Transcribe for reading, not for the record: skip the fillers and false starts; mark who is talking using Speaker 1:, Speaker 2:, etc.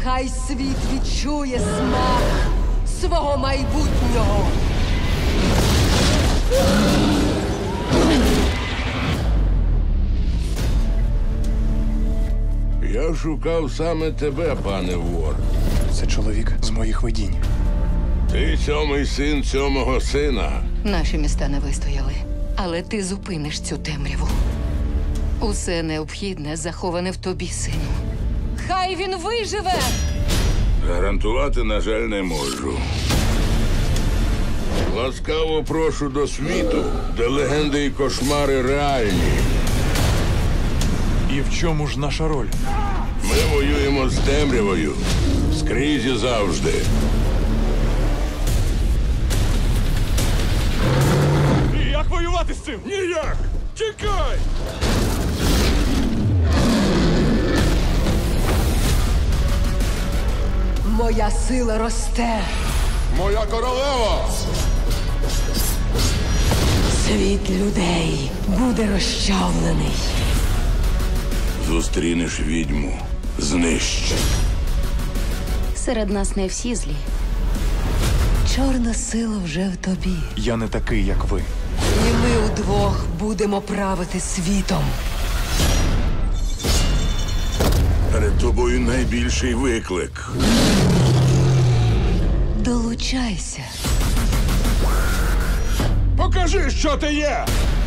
Speaker 1: Хай світ відчує смак свого майбутнього.
Speaker 2: Я шукав саме тебе, пане вор.
Speaker 3: Це чоловік з моїх видінь.
Speaker 2: Ти сьомий син сьомого сина.
Speaker 4: Наші міста не вистояли. Але ти зупиниш цю темряву. Усе необхідне заховане в тобі, сину. Хай він виживе!
Speaker 2: Гарантувати, на жаль, не можу. Ласкаво прошу до світу, де легенди і кошмари реальні.
Speaker 3: І в чому ж наша роль?
Speaker 2: Ми воюємо з темрявою. Скрізь і завжди.
Speaker 3: І як воювати з цим?
Speaker 2: Ніяк! Тікай!
Speaker 1: Моя сила росте.
Speaker 2: Моя королева!
Speaker 1: Світ людей буде розчавлений.
Speaker 2: Зустрінеш відьму. Знищ.
Speaker 4: Серед нас не всі злі.
Speaker 1: Чорна сила вже в тобі.
Speaker 3: Я не такий, як ви.
Speaker 1: І ми удвох будемо правити світом.
Speaker 2: Перед тобою найбільший виклик.
Speaker 1: Долучайся.
Speaker 2: Покажи, що ти є!